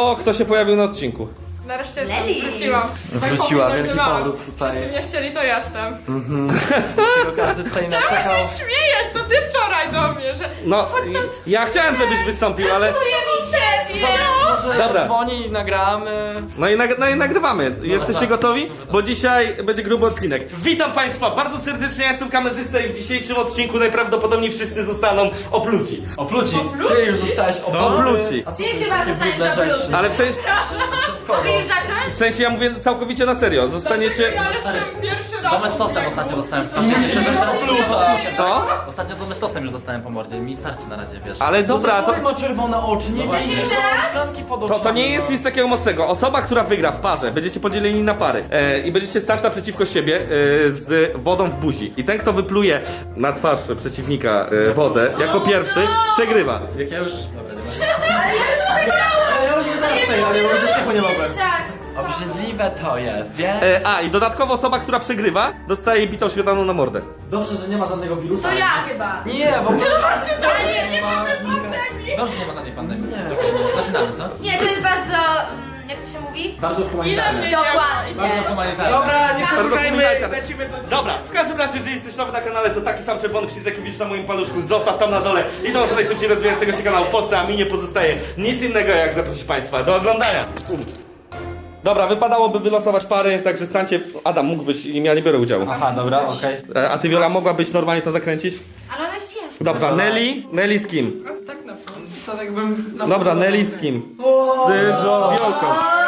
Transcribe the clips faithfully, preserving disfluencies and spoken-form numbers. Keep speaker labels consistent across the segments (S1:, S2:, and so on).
S1: Kto, kto się pojawił na odcinku?
S2: Nareszcie
S3: Nelly.
S2: jestem, wróciłam.
S4: Wróciła,
S2: Tak
S4: wielki
S2: powinno
S4: powrót
S2: byłam.
S4: tutaj.
S2: Wszyscy nie chcieli, to jestem.
S4: Tylko każdy tutaj
S2: Czemu
S4: naczekał.
S2: się śmiejesz? To ty wczoraj do mnie, że...
S1: No,
S2: chodź tam
S1: ja chciałem, żebyś wystąpił, ale...
S3: mi ciebie!
S4: Może
S1: Dobra.
S4: dzwoni i nagramy.
S1: No i, nag no i nagrywamy. Jesteście gotowi? Bo dzisiaj będzie gruby odcinek. Witam Państwa bardzo serdecznie, ja jestem kamerzysta i w dzisiejszym odcinku najprawdopodobniej wszyscy zostaną opluci.
S4: Opluci. Ty już zostałeś
S1: Opluci.
S4: A co
S3: Ty
S4: to
S3: chyba
S4: takie
S3: zostaniesz
S4: brudne
S3: opluty.
S4: rzeczy?
S1: Ale w sensie,
S3: Mogę już zacząć?
S1: w sensie ja mówię całkowicie na serio. Zostaniecie...
S2: Ja jestem pierwszy raz.
S5: Domestosem ostatnio dostałem.
S1: Co?
S5: Ostatnio domestosem już dostałem po mordzie. Mi starczy na razie, wiesz.
S1: Ale dobra, to...
S4: ma czerwone oczy, nie
S3: Chcesz jeszcze raz?
S4: szklanki pod
S1: To,
S4: oczami.
S1: to nie jest nic takiego mocnego. Osoba, która wygra w parze, będziecie podzieleni na pary e, i będziecie stać naprzeciwko siebie e, z wodą w buzi. I ten, kto wypluje na twarz przeciwnika e, wodę jako pierwszy, przegrywa.
S5: Jak ja już...
S3: Ale ja już przegrałam!
S4: Ale ja już nie teraz przegrałem, ja już ze śmiechu nie mogłem.
S3: Mieszać.
S4: Obrzydliwe to jest, wiesz?
S1: E, a, i dodatkowo osoba, która przegrywa, dostaje bitą śmietaną na mordę.
S4: Dobrze, że nie ma żadnego wirusa.
S3: To ja chyba.
S4: Nie, bo...
S3: Ale nie,
S4: ma...
S5: Dobrze, nie ma żadnej pandemii. Jest okej. Zaczynamy, co?
S3: nie, to jest bardzo... mm, Jak to się mówi?
S4: Bardzo
S2: Ile
S4: humanitarne.
S2: mnie
S3: Dokładnie.
S5: Bardzo humanitarne.
S4: Dobra, nie
S1: przedłużajmy, Dobra, w każdym razie, jeżeli jesteś nowy na kanale, to taki sam czerwony przycisk, jaki widzisz na moim paluszku, zostaw tam na dole i dąż do najszybciej rozwijającego się kanału w Polsce, a mi nie pozostaje nic innego, jak zaprosić Państwa do oglądania. Um. Dobra, wypadałoby wylosować pary, także stańcie... Adam, mógłbyś, ja nie biorę udziału.
S4: Aha, dobra, okej.
S1: E, A ty, Wiola, mogłabyś normalnie to zakręcić?
S3: Ale ona jest ciężka.
S1: Dobrze, Nelly? Nelly z kim?
S2: Tak na pewno.
S4: To jakbym...
S1: Dobra, Nelly z kim? Z Wiolką.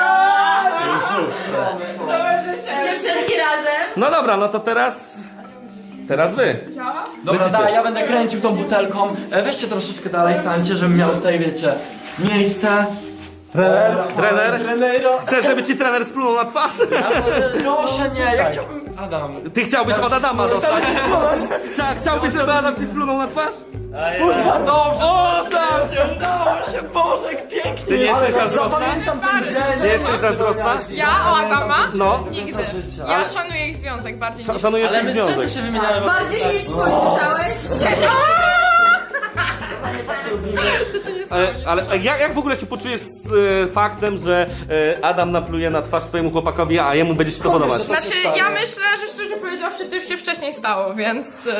S3: Dziewczynki razem.
S1: No dobra, no to teraz... Teraz wy.
S2: Ja?
S4: Dobra,
S1: Lecicie.
S4: da, ja będę kręcił tą butelką. E, weźcie troszeczkę dalej, stańcie, żebym miał tutaj, wiecie, miejsce. Trener.
S1: Trener?
S4: Trenero.
S1: Chcesz, żeby ci trener splunął na twarz?
S4: Proszę nie, ja chciałbym... Adam.
S1: Ty chciałbyś od Adama dostać. Chcia, chciałbyś, żeby Adam ci splunął na twarz?
S4: Boże, dobrze.
S1: O, tak!
S4: Udało się, Boże, jak pięknie.
S1: Ty nie jesteś zazdrosna?
S4: Zapamiętam ten dzień.
S1: Nie jesteś zazdrosna?
S2: Ja o Adama?
S1: No.
S2: Nigdy.
S4: życia.
S2: Ja szanuję ich związek bardziej
S1: Sz-
S2: niż...
S1: Szanujesz
S5: Ale
S1: ich
S5: my
S1: związek.
S5: często się wymieniamy.
S3: Bardziej niż swój, słyszałeś?
S1: Ale, ale jak, jak w ogóle się poczujesz z e, faktem, że e, Adam napluje na twarz twojemu chłopakowi, a jemu będzie się to podobać?
S2: Znaczy, ja myślę, że szczerze powiedziawszy, to już się wcześniej stało, więc... y,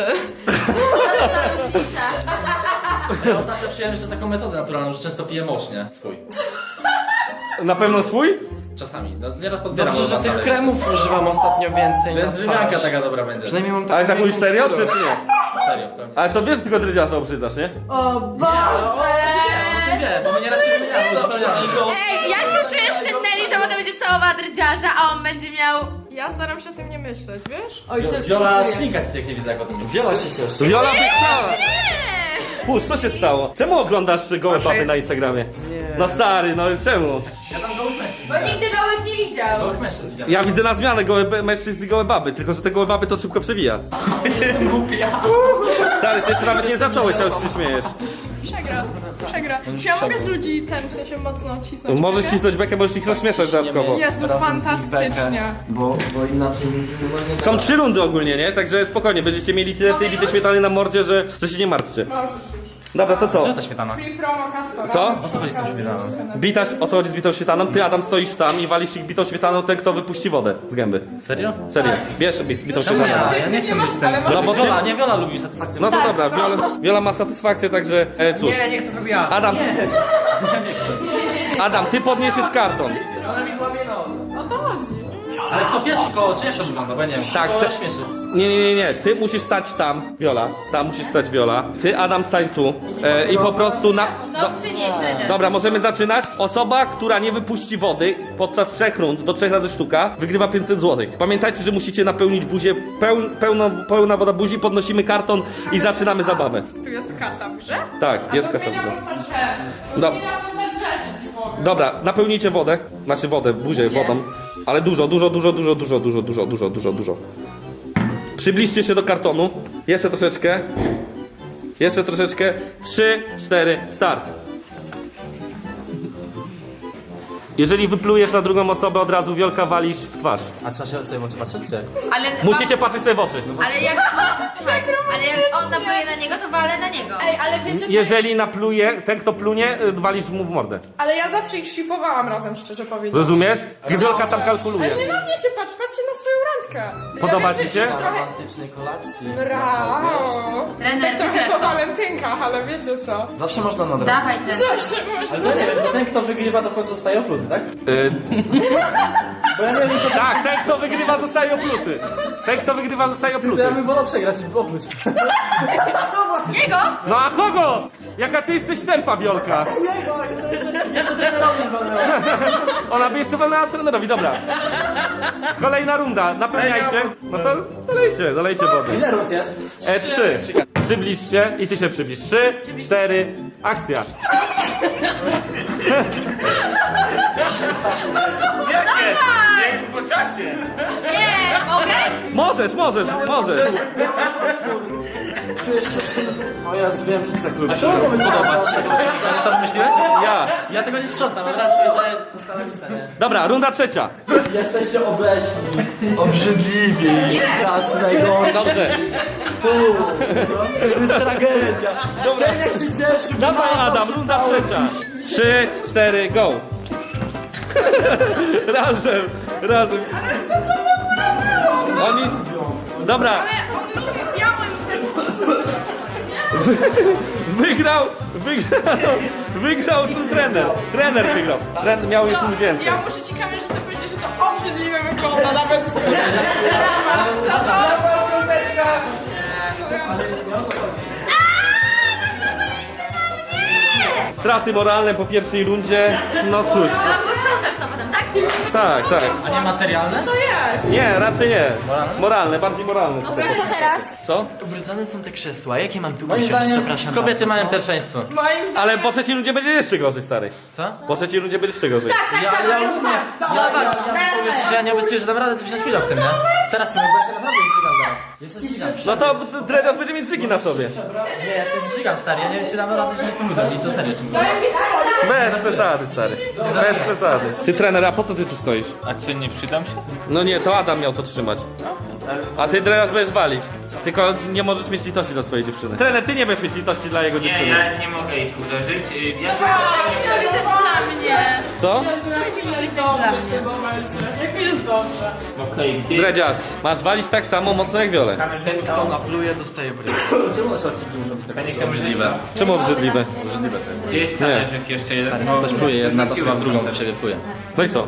S5: Ja ostatnio przyjąłem jeszcze taką metodę naturalną, że często piję mocznie swój.
S1: Na pewno swój?
S5: Czasami. No, nieraz podbieram
S4: Dobrze, że
S5: od was,
S4: tych
S5: ale-
S4: kremów używam ostatnio więcej
S5: Więc
S4: na
S5: wymianka
S4: twarz.
S5: taka dobra będzie.
S4: Przynajmniej mam
S1: Ale tak mówisz serio, czy, czy nie?
S5: Serio, pewnie.
S1: Ale to wiesz, że tylko drydziarza obrzydzasz, nie?
S3: O Boże!
S5: Nie wiem, bo my nieraz się wymieniamy zupełnie.
S3: Ej, ja się czuję z tym Nelly, że potem będzie całowała drydziarza, a on będzie miał...
S2: Ja staram się o tym nie myśleć, wiesz?
S3: Oj, co
S5: Wiola ślinka ci jak nie widzę, jak o tym mówisz.
S4: Wiola się cieszy.
S1: Wiola by chciała! Pusz, co się stało? Czemu oglądasz gołe baby na Instagramie? No stary, no czemu?
S5: Ja tam gołych mężczyzn.
S3: Bo nigdy gołych nie widział.
S5: Gołych mężczyzn widziałem.
S1: Ja widzę na zmianę gołe be- mężczyzn i gołe baby, tylko że te gołe baby to szybko przewija. Stary, ty jeszcze nawet nie zacząłeś, a już się śmiejesz.
S2: Przegra, przegra. Czy ja mogę z ludzi ten, w sensie mocno cisnąć?
S1: Możesz
S2: bekę?
S1: cisnąć bekę, możesz ich rozśmieszać dodatkowo.
S2: Jezu, fantastycznie.
S4: Bo, bo inaczej nie nie-
S1: Są trzy rundy ogólnie, nie? Także spokojnie, będziecie mieli tyle tej bity śmietany na mordzie, że, że się nie martwcie.
S2: Możesz już.
S1: Dobra, to co?
S5: Gdzie ta śmietana?
S2: Free promo Castora.
S1: Co?
S5: O co chodzi z tą śmietaną?
S1: Bitaś, o co chodzi z bitą śmietaną? Ty, Adam, stoisz tam i walisz ich bitą śmietaną, ten, kto wypuści wodę z gęby.
S5: Serio?
S1: Serio, wiesz bit, bitą
S5: Czemu
S1: śmietaną.
S5: ja? Ja nie chcę być ten.
S2: Ale
S1: No bo ty...
S5: Wiola, nie Wiola lubi satysfakcję.
S1: No to dobra, Wiola, Wiola ma satysfakcję, także e, cóż.
S4: Nie, nie chcę, żeby ja.
S1: Adam, Adam, ty podniesiesz karton.
S4: Ona mi złamie nos.
S2: O to chodzi.
S5: Ale kto pierwszy koło, czy jak to wygląda, bo ja nie wiem.
S1: Tak,
S5: Koło
S1: te-
S5: śmieszy.
S1: Nie, nie, nie, nie, ty musisz stać tam, Wiola, tam musisz stać Wiola. Ty, Adam, stań tu e, i po prostu na...
S3: No
S1: Do,
S3: przynieś drydziarz.
S1: dobra, możemy zaczynać. Osoba, która nie wypuści wody podczas trzech rund, do trzech razy sztuka, wygrywa pięćset złotych. Pamiętajcie, że musicie napełnić buzię, peł, pełno, pełna woda buzi, podnosimy karton i zaczynamy zabawę.
S2: Tu jest kasa w grze?
S1: Tak, jest
S2: A to
S1: kasa w
S2: zmienia
S1: grze.
S2: postać rzeczy.
S1: Dob-
S2: Zmienia postać rzeczy, ci powiem.
S1: Dobra, napełnijcie wodę, znaczy wodę, buzię wodą, ale dużo, dużo, dużo, dużo, dużo, dużo, dużo, dużo, dużo, dużo. Przybliżcie się do kartonu, jeszcze troszeczkę, jeszcze troszeczkę, trzy, cztery, start. Jeżeli wyplujesz na drugą osobę, od razu Wiolka walisz w twarz.
S5: A trzeba się sobie w oczy patrzeć, czy jak?
S3: Ale,
S1: Musicie patrzeć sobie w oczy.
S3: ale jak, tak, ale jak on napluje na niego, to walę na niego.
S2: Ej, ale wiecie co?
S1: Jeżeli napluje, ten kto plunie, y, walisz mu w mordę.
S2: Ale ja zawsze ich shipowałam razem, szczerze powiedziawszy.
S1: Rozumiesz? I Wiolka tam kalkuluje.
S2: Ale nie na mnie się patrz, patrzcie na swoją randkę.
S1: Podoba
S2: ja
S1: ci
S2: wiem,
S1: się?
S2: że jest trochę...
S4: Romantycznej kolacji.
S2: Brawo!
S3: Trener,
S2: Tak trochę
S3: wygrasz
S2: po
S3: to.
S2: walentynkach, ale wiecie co?
S4: Zawsze można nadrobić.
S3: Dawaj, trener.
S2: Zawsze można.
S4: Ale to nie wiem, to ten kto wygrywa to w końcu zostaje opluty, tak?
S1: Y,
S4: Bo ja nie wiem co
S1: tak, ten kto wygrywa zostaje opluty. Ten kto wygrywa zostaje
S4: to
S1: opluty.
S4: ja bym wolał przegrać i opluć.
S3: Jego?
S1: No a kogo? Jaka ty jesteś tempa, Wiolka?
S4: Jego, to jeszcze, jeszcze trenerowi wolno.
S1: Ona by jeszcze walnęła trenerowi, dobra. Kolejna runda, napełniajcie. No to dolejcie, dolejcie wody.
S4: Ile rund jest?
S1: E trzy. Przybliż się i ty się przybliż. Trzy, cztery, akcja.
S3: Dawaj!
S1: Jest po czasie.
S3: Nie, mogę?
S1: Możesz, możesz, możesz.
S4: Czujesz się... O Jezu, wiem, że ty tak lubisz.
S5: Podoba ci się to? Że to wymyśliłeś?
S1: Ja.
S5: Ja tego nie sprzątam, od razu mówię, że ustala listę, nie?
S1: Dobra, runda trzecia.
S4: Jesteście obleśni, obrzydliwi, tacy najgorsi.
S1: Dobrze.
S4: To jest tragedia. Dobra, jak się cieszy.
S1: Dawaj Adam, runda trzecia. Trzy, cztery, go. Razem, razem. Oni... Dobra. Wygrał, wygrał, wygrał tu trener. Trener wygrał. Trener miał ich punkt więcej.
S2: Ja muszę ci kamerzysta powiedzieć, że to obrzydliwe wygląda nawet z...
S1: Straty moralne po pierwszej rundzie. No cóż.
S3: No, posprzątasz to potem, tak?
S1: Tak, tak.
S5: A nie materialne?
S2: To jest.
S1: Nie, raczej nie. Moralne, bardziej moralne.
S3: Co teraz?
S1: Co?
S5: Ubrudzone są te krzesła, jakie mam tu
S4: Moim
S5: usiąść?
S4: zdaniem
S5: Przepraszam kobiety mają pierwszeństwo.
S2: Moim zdaniem...
S1: Ale po trzeciej rundzie będzie jeszcze gorzej, stary.
S5: Co?
S1: Po trzeciej rundzie będzie jeszcze gorzej.
S3: Tak, tak,
S5: ja
S3: tak,
S5: rozumiem.
S3: Dobra, teraz
S5: Powiedz, że ja nie obiecuję, że dam radę, to wziąć udział w tym, nie? Teraz się
S4: Ja się naprawdę zżygam zaraz. Ja się zżygam.
S1: No to dredziarz będzie mieć szyki na sobie.
S5: Nie, ja się zżygam, stary, ja nie wiem, czy dam radę wziąć w tym udział. I to serio ci mówię.
S1: Bez przesady, stary. Bez przesady. Ty trener, a po co ty tu stoisz?
S6: A czy nie przydam się?
S1: No nie, to Adam miał to trzymać. A ty dredziarz będziesz walić. Tylko nie możesz mieć litości do swojej dziewczyny. Trener, ty nie będziesz mieć litości dla jego
S6: Nie,
S1: dziewczyny.
S6: ja nie mogę ich uderzyć. y, Ja
S3: Juri też dla mnie.
S1: Co?
S2: Jak jest dobrze.
S6: okej, gdzie,
S1: Dredziarz, masz walić tak samo mocno jak Wiolę.
S5: Kto napluje, dostaje bryk.
S4: Czemu nasze odcinki muszą być takie?
S6: to możliwe.
S1: Czemu obrzydliwe?
S6: Gdzie jest talerzyk jeszcze jeden?
S5: Ktoś pluje, jedna to chyba w drugą też się wypluje.
S1: No i co?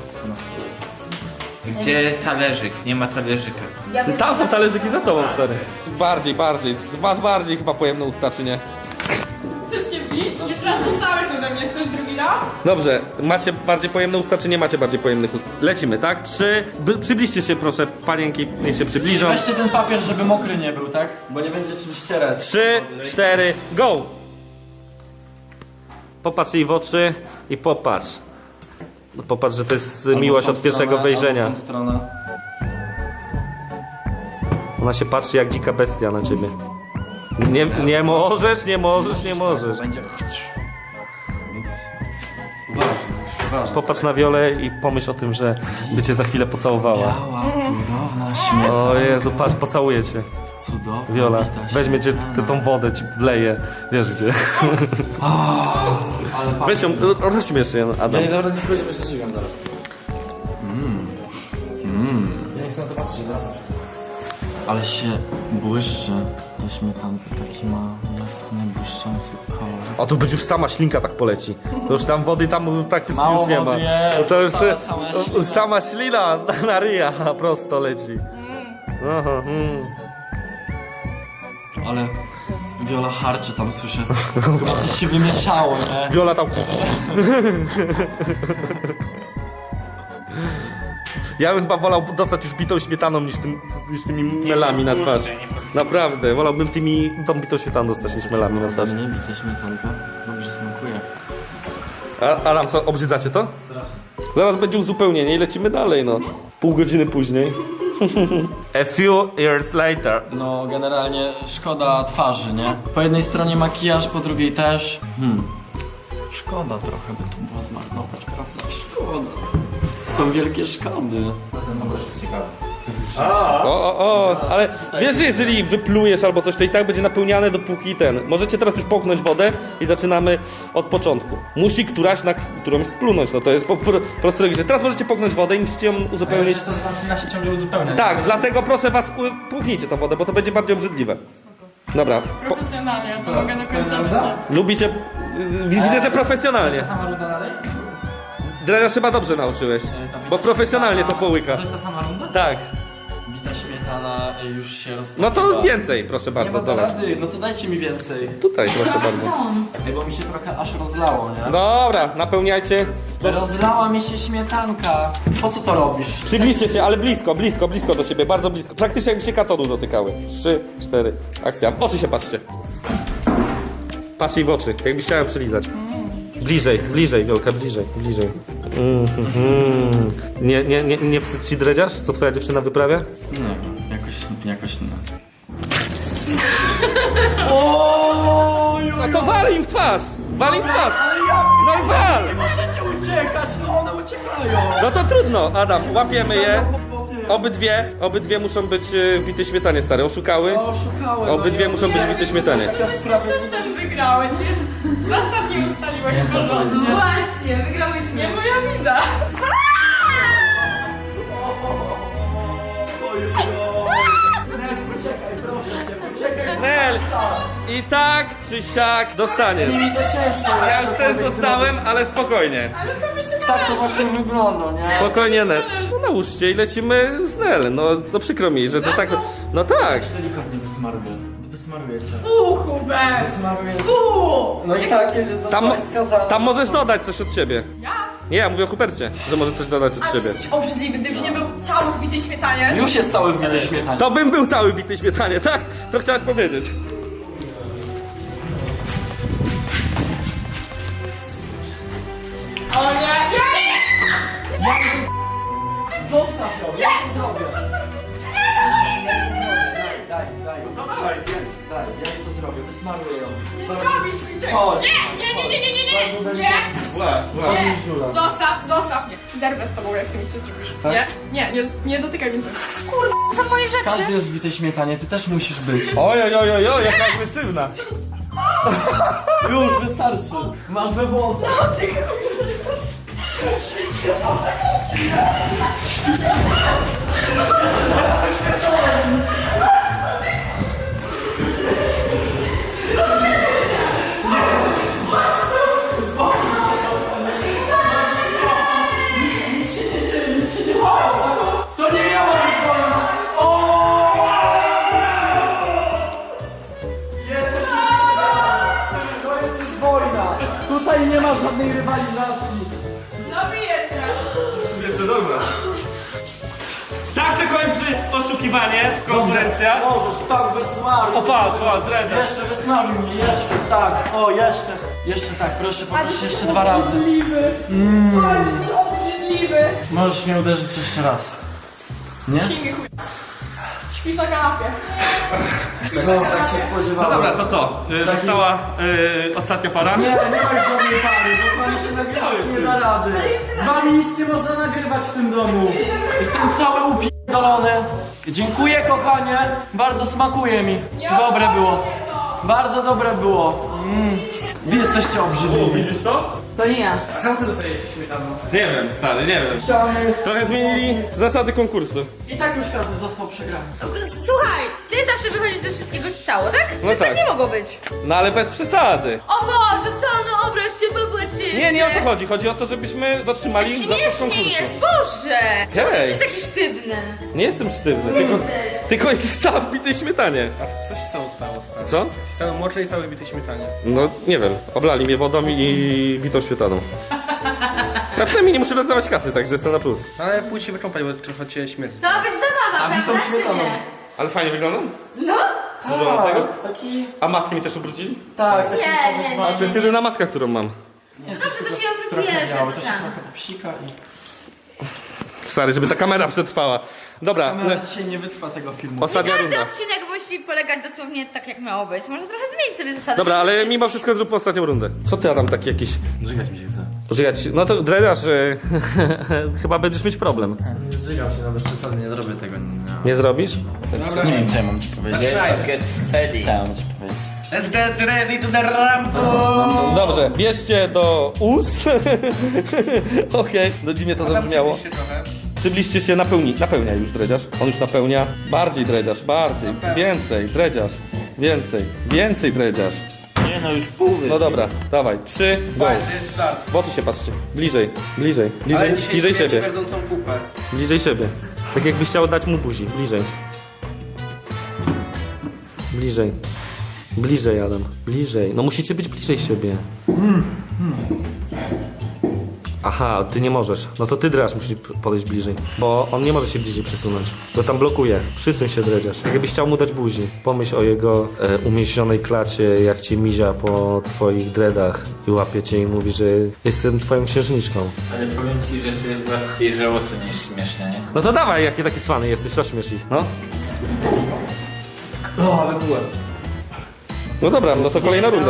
S6: Gdzie talerzyk? Nie ma talerzyka.
S1: Tam są talerzyki za tobą, stary. Bardziej, bardziej. Masz bardziej chyba pojemne usta, czy nie?
S2: Chcesz się bić? Już raz dostałeś ode mnie, chcesz drugi raz?
S1: Dobrze, macie bardziej pojemne usta, czy nie macie bardziej pojemnych ust? Lecimy, tak? Trzy. By, przybliżcie się proszę, panienki, niech się przybliżą.
S4: Weźcie ten papier, żeby mokry nie był, tak? Bo nie będzie czym ścierać.
S1: Trzy, cztery, go! Popatrz jej w oczy i popatrz. No popatrz, że to jest miłość od pierwszego wejrzenia.
S4: Albo w tą stronę.
S1: Ona się patrzy jak dzika bestia na ciebie. Nie, nie możesz, nie możesz, nie możesz.
S4: Będzie... Więc... Uważaj, uważaj.
S1: Popatrz na Wiolę i pomyśl o tym, że by cię za chwilę pocałowała.
S4: Biała, cudowna, śmieszna.
S1: O Jezu, patrz, pocałuję cię.
S4: Cudowna.
S1: Wiola,
S4: wita,
S1: weźmie cię,
S4: śmieszna.
S1: tę tą wodę ci wleje. Wiesz gdzie.
S4: Ale
S1: Weź ją, ro- rozśmiesz się,
S4: Ja
S1: Adam.
S4: nie dobra, nie spojrzę, bo się zżygam zaraz. Mmm. Mmm. Ja nie chcę na to patrzeć, wracam. Ale się błyszczy. To śmietanka taki ma jasny, błyszczący kolor.
S1: A tu być już sama ślinka tak poleci. To już tam wody tam praktycznie
S4: Mało
S1: już nie ma.
S4: wody jest,
S1: No to już
S4: sama-
S1: e,
S4: sama
S1: o,
S4: ślina.
S1: sama ślina na, na ryja prosto leci. Aha, mm.
S4: Ale Wiola harczy tam, słyszę. Chyba coś się wymieszało, nie?
S1: Wiola tam... Ja bym chyba wolał dostać już bitą śmietaną niż, tym, niż tymi melami na twarz. Naprawdę, wolałbym tymi, tą bitą śmietaną dostać niż melami na twarz.
S4: Nie bite śmietanka, dobrze smakuje.
S1: A, Adam, co, obrzydzacie to? Zaraz będzie uzupełnienie i lecimy dalej, no. Pół godziny później. A few years later.
S4: No, generalnie szkoda twarzy, nie? Po jednej stronie makijaż, po drugiej też. Hmm. Szkoda trochę by tu było zmarnować, prawda? Szkoda. Są wielkie szkody.
S1: O, o, o, ale wiesz, że jeżeli wyplujesz albo coś, to i tak będzie napełniane dopóki ten. Możecie teraz już połknąć wodę i zaczynamy od początku. Musi któraś na którąś splunąć, no to jest po po prostu logiczne. Teraz możecie połknąć wodę i musicie ją uzupełnić.
S5: To zaczyna się ciągle uzupełniać.
S1: Tak, dlatego proszę was, u- płuknijcie tą wodę, bo to będzie bardziej obrzydliwe. Dobra, po,
S2: Profesjonalnie, co mogę do końca życia.
S1: lubicie, y, widzę, że profesjonalnie.
S5: Ta sama runda dalej?
S1: Drenaż chyba dobrze nauczyłeś, bo profesjonalnie to połyka.
S5: To jest ta sama runda?
S1: Tak,
S4: Bita śmietana już się roztopiła.
S1: no to więcej, proszę
S4: Nie
S1: bardzo,
S4: ma
S1: dolać.
S4: rady, no to dajcie mi więcej.
S1: Tutaj, proszę bardzo.
S4: Ej, bo mi się trochę aż rozlało, nie?
S1: Dobra, napełniajcie.
S4: Rozlała mi się śmietanka. Po co to robisz?
S1: Przybliżcie się, ale blisko, blisko, blisko do siebie, bardzo blisko. Praktycznie jakby się kartonu dotykały. Trzy, cztery, akcja. W oczy się patrzcie. Patrz jej w oczy, jakbyś chciałem przylizać. Bliżej, bliżej, Wiolka, bliżej, bliżej. Mm, mm, mm. Nie, nie, nie, nie wstyd ci dredziarz, co twoja dziewczyna wyprawia?
S4: Nie wiem, jakoś, jakoś nie.
S1: No to wal im w twarz! Wal im w twarz! No i wal!
S4: Możecie uciekać, no one uciekają.
S1: No to trudno, Adam, łapiemy je. Obydwie, obydwie muszą być y, w bitej śmietanie, stare, oszukały.
S4: Oszukałem.
S1: Obydwie muszą być w bitej śmietanie.
S2: System wygrałem, nie? Zasad nie ustaliłeś porządnie.
S3: Właśnie, wygrałyśmy.
S2: Nie moja wina.
S1: Nel! I tak czy siak dostanie. Ja już też dostałem, ale spokojnie.
S4: Tak to właśnie wygląda, nie?
S1: Spokojnie, Nel. No nałóżcie i lecimy z Nel. No, no przykro mi, że to tak. No tak.
S4: Delikatnie wysmaruję. Wysmaruję cię.
S2: Fu, Hubert.
S4: Wysmaruję cię.
S2: Fu.
S4: No i tak, kiedy
S1: Tam,
S4: zostałeś skazany.
S1: tam możesz dodać coś od siebie.
S2: Ja?
S1: Nie, ja mówię o Hubercie, że może coś dodać od
S2: A ty
S1: siebie.
S2: jesteś obrzydliwy, gdybyś nie był cały w bitej śmietanie.
S4: Już jest cały w miarę śmietanie.
S1: To bym był cały bitej śmietanie, tak? To chciałaś powiedzieć.
S2: O nie!
S4: Zostaw ją, ja to zrobię. Daj, daj.
S1: No dawaj,
S4: Daj, ja jej to zrobię, wysmaruję ją.
S2: Nie zrobisz mi tego!
S4: Chodź.
S2: Nie, nie, nie, nie, nie, nie,
S4: Bardzo
S2: nie! Nie!
S1: Właśnie,
S2: Nie!
S4: Żula.
S2: Zostaw, zostaw mnie! Zerwę z tobą, jak ty mi to zrobisz. Nie, nie, nie, nie dotykaj mnie.
S3: To są moje rzeczy.
S4: Każdy jest w bitej śmietanie, ty też musisz być.
S1: Oj, oj, oj, oj, oj, jaka agresywna.
S4: Już, wystarczy. Masz we włosach. To nie miało być wolno! Jesteś To jest już wojna! Tutaj nie ma żadnej rywalizacji!
S2: Zabiję cię!
S1: Jeszcze dobra. Tak się kończy oszukiwanie, konkurencja.
S4: Możesz, tak, wysmaruj!
S1: O, patrz, patrz, drezia.
S4: Jeszcze wysmaruj mnie, jeszcze, tak, o, jeszcze. Jeszcze tak, proszę, poproszę jeszcze dwa razy.
S2: Obrzydliwy! Ale ty jesteś obrzydliwy!
S4: Możesz mnie uderzyć jeszcze raz. Nie?
S2: Śmigły chuj. Śpisz na kanapie.
S4: No, tak się
S1: No
S4: spodziewałem.
S1: dobra, to co? Y, Została y, ostatnia para?
S4: Nie, nie ma już żadnej pary, bo z wami się nagrywać nie da rady. Z wami nic nie można nagrywać w tym domu. Jestem cały upierdolony. Dziękuję, kochanie, bardzo smakuje mi. Dobre było. Bardzo dobre było. Mm. Wy jesteście obrzydliwi.
S1: Widzisz to?
S3: To nie ja.
S1: Nie wiem, stary, nie wiem.
S4: Chciamy.
S1: Trochę zmienili zasady konkursu.
S4: I tak już każdy został przegrany.
S3: Słuchaj, ty zawsze wychodzisz ze wszystkiego cało, tak?
S1: No
S3: To
S1: tak.
S3: tak nie mogło być.
S1: No ale bez przesady.
S3: O Boże, co? No obraź się, popatrz się.
S1: Nie, nie o to chodzi. Chodzi o to, żebyśmy dotrzymali zasad
S3: Śmiesznie
S1: konkursu.
S3: jest, Boże! Czemu
S1: Hej.
S3: jesteś taki sztywny?
S1: Nie jestem sztywny, tylko, tylko jest sam w bitej śmietanie.
S7: Co się stało stało? stary?
S1: Co?
S7: Stało mokre i całe bite śmietanie.
S1: No nie wiem, oblali mnie wodą i bitą śmietaną. A przynajmniej nie muszę rozdawać kasy, także jestem na plus.
S7: No ale pójdź się wykąpać, bo trochę cię śmierdzi.
S3: To ma być zabawa, prawda, czy nie?
S1: Ale fajnie wyglądam?
S3: No?
S1: Dużo mam tego?
S4: Tak, taki...
S1: A maskę mi też ubrudzili?
S4: Tak, taki...
S3: Nie, nie, nie,
S1: To jest jedyna maska, którą mam.
S3: No to to się obydwie
S4: Miało, to się
S3: tam.
S4: trochę psika i...
S1: Stary, żeby ta kamera przetrwała. Dobra,
S4: Kamera dzisiaj nie wytrwa tego filmu.
S1: ostatnia
S3: Każdy
S1: runda.
S3: odcinek musi musi polegać dosłownie tak, jak miało być. Może trochę zmienić sobie zasady.
S1: Dobra, ale mimo wszystko zróbmy ostatnią rundę. Co ty, Adam, taki jakiś...
S4: Żygać mi się chce.
S1: Żygać? No to drenaż, że chyba będziesz mieć problem.
S4: Nie zżygam się, no bez przesady, nie zrobię tego. Nie,
S1: Nie zrobisz?
S4: nie wiem, co ja mam ci powiedzieć.
S6: Get ready.
S4: Co ja mam ci powiedzieć?
S7: Let's get ready to the rumble!
S1: Dobrze, bierzcie do ust. Okej, do dziwnie to zabrzmiało. Przybliżcie się, napełni, napełnia już dredziarz. On już napełnia. Bardziej dredziarz, bardziej. Więcej, dredziarz. Więcej, więcej dredziarz.
S6: Nie no, już pół.
S1: No dobra, dawaj, trzy, go. W oczy się patrzcie. Bliżej, bliżej, bliżej, bliżej siebie.
S7: Śmierdzącą kupę.
S1: Bliżej siebie. Tak jakbyś chciał dać mu buzi. Bliżej. Bliżej. Bliżej, Adam. Bliżej. No musicie być bliżej siebie. Aha, ty nie możesz. No to ty, Dredziarz, musisz podejść bliżej. Bo on nie może się bliżej przesunąć. Bo tam blokuje. Przysuń się, Dredziarz. Jakbyś chciał mu dać buzi. Pomyśl o jego e, umieśnionej klacie, jak cię mizia po twoich dreadach i łapie cię i mówi, że jestem twoją księżniczką.
S6: Ale powiem ci, że to jest bardziej żałosne niż śmieszne, nie?
S1: No to dawaj, jaki taki cwany jesteś, rozśmiesz ich, no.
S4: O, ale byłem.
S1: No dobra, no to kolejna runda.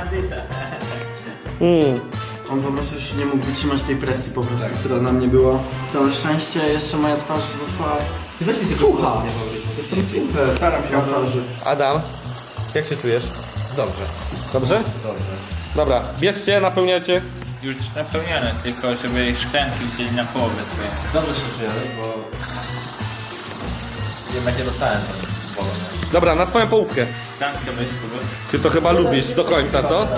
S1: Mm.
S4: On po prostu już nie mógł wytrzymać tej presji po prostu, która na mnie była. Całe szczęście jeszcze moja twarz została... Ty weź mi tylko słucha. Jestem super.
S7: Staram się o to.
S1: Adam, jak się czujesz?
S6: Dobrze.
S1: Dobrze?
S6: Dobrze.
S1: Dobra, bierzcie, napełniacie.
S6: Już napełnione, tylko żeby szklanki wzięli na połowę swoje.
S4: Dobrze się czuję, bo... Jednak nie dostałem tam bolą.
S1: Dobra, na swoją połówkę.
S6: Szklankę weź spróbuj.
S1: Ty to chyba lubisz do końca, co?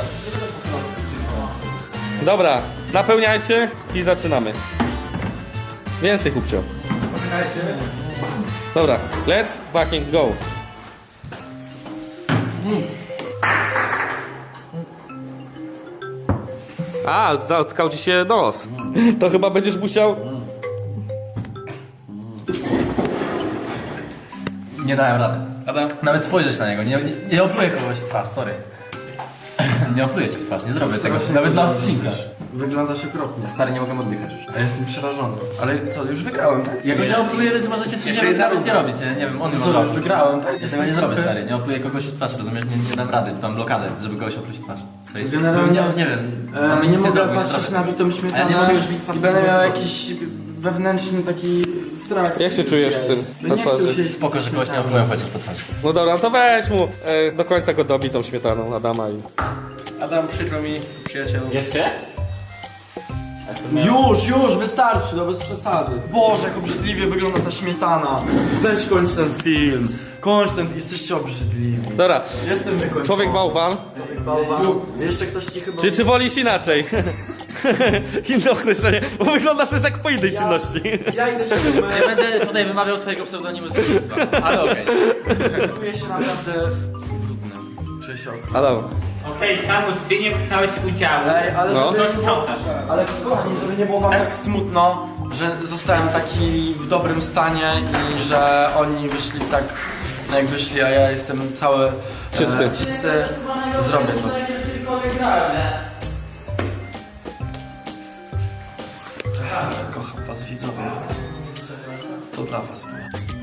S1: Dobra, napełniajcie i zaczynamy. Więcej, chłopcio. Dobra, let's fucking go. A, zatkał ci się nos. To chyba będziesz musiał...
S5: Nie dałem rady.
S7: Adam?
S5: Nawet spojrzeć na niego, nie, nie, nie opluję kogoś w twarz, sorry. Nie opluję cię w twarz, nie zrobię tego, nawet dla odcinka.
S4: Wyglądasz okropnie.
S5: Stary, nie mogę oddychać już.
S4: A jestem przerażony.
S7: Ale co, już wygrałem, tak?
S5: Ja go nie opluję, więc możecie coś
S7: Jeszcze jedna
S5: nawet nie
S7: runda.
S5: robić, nie, nie wiem, on
S4: Co,
S5: może
S4: już wygrałem, tak?
S5: Ja tego
S4: Jestem
S5: nie zrobię,
S4: super.
S5: stary, nie opluję kogoś w twarz, rozumiesz? Nie, nie dam rady, mam blokadę, żeby kogoś opluć w twarz. To jest-
S4: Generalnie-
S5: nie, nie wiem,
S4: E,
S5: mamy
S4: nie
S5: nic
S4: mogę
S5: zrobić,
S4: patrzeć
S5: zrobię.
S4: na bitą śmietanę
S5: Ale nie mogę już bić twarz.
S4: i będę miał jakiś wewnętrzny taki strach.
S1: Jak się czujesz z tym
S4: No
S1: na
S4: nie chcę
S1: twarzy?
S4: się
S5: Spoko, że kogoś nie opluję chociaż po twarzy.
S1: No dobra, no to weź mu e, do końca go dobi tą śmietaną Adama i...
S7: Adam, przykro mi, przyjacielu.
S6: Jeszcze?
S4: Już, już, wystarczy, no bez przesady. Boże, jak obrzydliwie wygląda ta śmietana. Weź kończ ten film. Kończ ten, jesteście obrzydliwi.
S1: Dobra,
S4: Jestem wykończony.
S1: człowiek bałwan.
S4: Bałwan. Jeszcze ktoś ci chyba...
S1: Czy, czy wolisz inaczej? Inne określenie, bo wyglądasz też jak po innej czynności.
S4: Ja idę się umyć.
S5: Nie będę tutaj wymawiał twojego pseudonimu z dzieciństwa, ale okej.
S4: Czuję się naprawdę brudny. Czuję się okropnie.
S1: Adam,
S6: Okej, Kamuś, ty nie pchnąłeś udziału.
S4: Ej, ale
S1: No.
S4: żeby...
S6: To sprzątasz.
S4: Ale kochani, żeby nie było wam tak smutno, że zostałem taki w dobrym stanie i że oni wyszli tak, no jak wyszli, a ja jestem cały
S1: Czysty.
S4: E, czysty. Zrobię to. Kocham was widzowie. To dla was było.